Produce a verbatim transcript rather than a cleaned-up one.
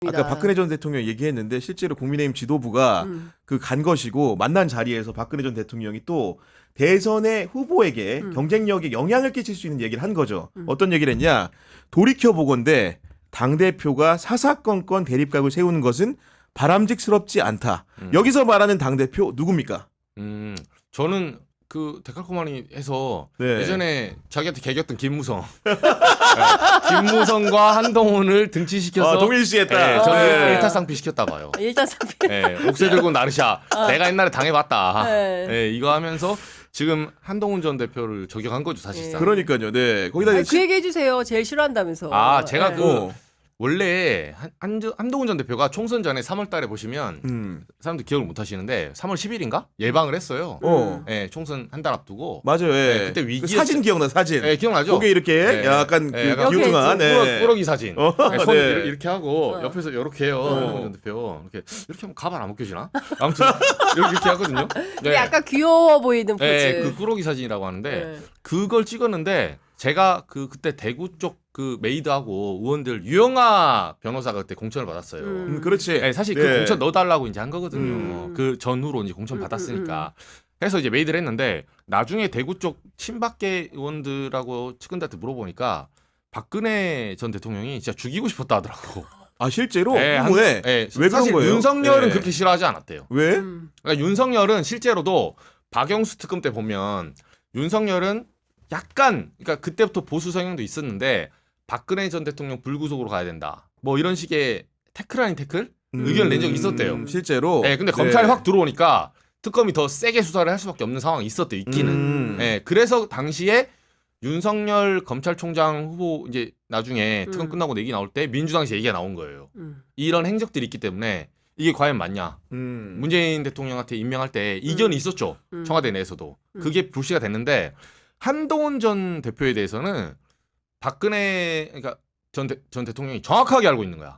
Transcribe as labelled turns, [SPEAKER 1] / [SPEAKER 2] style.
[SPEAKER 1] 아까 박근혜 전 대통령 얘기했는데 실제로 국민의힘 지도부가
[SPEAKER 2] 음.
[SPEAKER 1] 그 간 것이고 만난 자리에서 박근혜 전 대통령이 또 대선의 후보에게
[SPEAKER 2] 음.
[SPEAKER 1] 경쟁력에 영향을 끼칠 수 있는 얘기를 한 거죠.
[SPEAKER 2] 음.
[SPEAKER 1] 어떤 얘기를 했냐. 돌이켜보건대 당대표가 사사건건 대립각을 세우는 것은 바람직스럽지 않다.
[SPEAKER 3] 음.
[SPEAKER 1] 여기서 말하는 당대표 누굽니까?
[SPEAKER 3] 음, 저는 그 데칼코마니 해서
[SPEAKER 1] 네.
[SPEAKER 3] 예전에 자기한테 개겼던 김무성, 네, 김무성과 한동훈을 등치시켜서
[SPEAKER 1] 아, 동일시했다.
[SPEAKER 3] 네, 저는
[SPEAKER 1] 네.
[SPEAKER 3] 일타쌍피 시켰다 봐요.
[SPEAKER 2] 일단 상피.
[SPEAKER 3] 네, 옥새 들고 나르샤, 내가 옛날에 당해봤다.
[SPEAKER 2] 네.
[SPEAKER 3] 네, 이거 하면서 지금 한동훈 전 대표를 저격한 거죠 사실상.
[SPEAKER 2] 네.
[SPEAKER 1] 그러니까요. 네. 거기다
[SPEAKER 2] 아니,
[SPEAKER 1] 시-
[SPEAKER 2] 그 얘기 해주세요. 제일 싫어한다면서.
[SPEAKER 3] 아, 제가
[SPEAKER 2] 네.
[SPEAKER 3] 그
[SPEAKER 1] 어.
[SPEAKER 3] 원래 한, 한, 한동훈 전 대표가 총선 전에 삼월 달에 보시면
[SPEAKER 1] 음.
[SPEAKER 3] 사람들 기억을 못 하시는데 삼월 십일인가 예방을 했어요.
[SPEAKER 1] 어.
[SPEAKER 3] 네, 총선 한 달 앞두고.
[SPEAKER 1] 맞아요. 예.
[SPEAKER 3] 네, 그때
[SPEAKER 1] 그
[SPEAKER 3] 위기였죠.
[SPEAKER 1] 사진 기억나 사진.
[SPEAKER 3] 네, 기억나죠?
[SPEAKER 1] 거기 이렇게
[SPEAKER 3] 네.
[SPEAKER 1] 약간
[SPEAKER 3] 네,
[SPEAKER 1] 그
[SPEAKER 3] 약간
[SPEAKER 1] 기우뚱한
[SPEAKER 2] 이렇게
[SPEAKER 1] 네.
[SPEAKER 3] 꾸러, 기 사진.
[SPEAKER 1] 어,
[SPEAKER 3] 네, 손
[SPEAKER 1] 네.
[SPEAKER 3] 이렇게, 이렇게 하고
[SPEAKER 2] 어.
[SPEAKER 3] 옆에서 이렇게 해요.
[SPEAKER 1] 어.
[SPEAKER 3] 한동훈 전 대표. 이렇게 이렇게 하면 가발 안 벗겨지나? 아무튼 이렇게, 이렇게 하거든요.
[SPEAKER 2] 근데 약간 귀여워 보이는 포즈.
[SPEAKER 3] 네, 그 꾸러기 사진이라고 하는데
[SPEAKER 2] 네.
[SPEAKER 3] 그걸 찍었는데 제가 그 그때 대구 쪽 그 메이드하고 의원들 유영아 변호사가 그때 공천을 받았어요.
[SPEAKER 2] 음.
[SPEAKER 1] 음, 그렇지.
[SPEAKER 3] 네, 사실
[SPEAKER 1] 네.
[SPEAKER 3] 그 공천 넣어달라고 이제 한 거거든요.
[SPEAKER 2] 음.
[SPEAKER 3] 그 전후로 이제 공천
[SPEAKER 2] 음,
[SPEAKER 3] 받았으니까. 해서 이제 메이드를 했는데 나중에 대구 쪽 친박계 의원들하고 측근들한테 물어보니까 박근혜 전 대통령이 진짜 죽이고 싶었다 하더라고.
[SPEAKER 1] 아 실제로
[SPEAKER 3] 네, 한-
[SPEAKER 1] 후에
[SPEAKER 3] 네,
[SPEAKER 1] 왜 그런
[SPEAKER 3] 사실
[SPEAKER 1] 거예요?
[SPEAKER 3] 윤석열은
[SPEAKER 1] 네.
[SPEAKER 3] 그렇게 싫어하지 않았대요.
[SPEAKER 1] 왜?
[SPEAKER 2] 음.
[SPEAKER 3] 그러니까 윤석열은 실제로도 박영수 특검 때 보면 윤석열은 약간 그러니까 그때부터 보수 성향도 있었는데 박근혜 전 대통령 불구속으로 가야 된다. 뭐 이런 식의 태클 아닌 태클? 의견을 낸 적이 있었대요.
[SPEAKER 1] 음, 실제로.
[SPEAKER 3] 네, 근데 검찰이 확 들어오니까 특검이 더 세게 수사를 할 수밖에 없는 상황이 있었대요. 있기는.
[SPEAKER 1] 음.
[SPEAKER 3] 네, 그래서 당시에 윤석열 검찰총장 후보 이제 나중에 특검
[SPEAKER 2] 음.
[SPEAKER 3] 끝나고 얘기 나올 때 민주당에서 얘기가 나온 거예요.
[SPEAKER 2] 음.
[SPEAKER 3] 이런 행적들이 있기 때문에 이게 과연 맞냐?
[SPEAKER 1] 음.
[SPEAKER 3] 문재인 대통령한테 임명할 때 이견이
[SPEAKER 2] 음.
[SPEAKER 3] 있었죠.
[SPEAKER 2] 음.
[SPEAKER 3] 청와대 내에서도.
[SPEAKER 2] 음.
[SPEAKER 3] 그게 불씨가 됐는데 한동훈 전 대표에 대해서는 박근혜 그러니까 전, 대, 전 대통령이 정확하게 알고 있는 거야.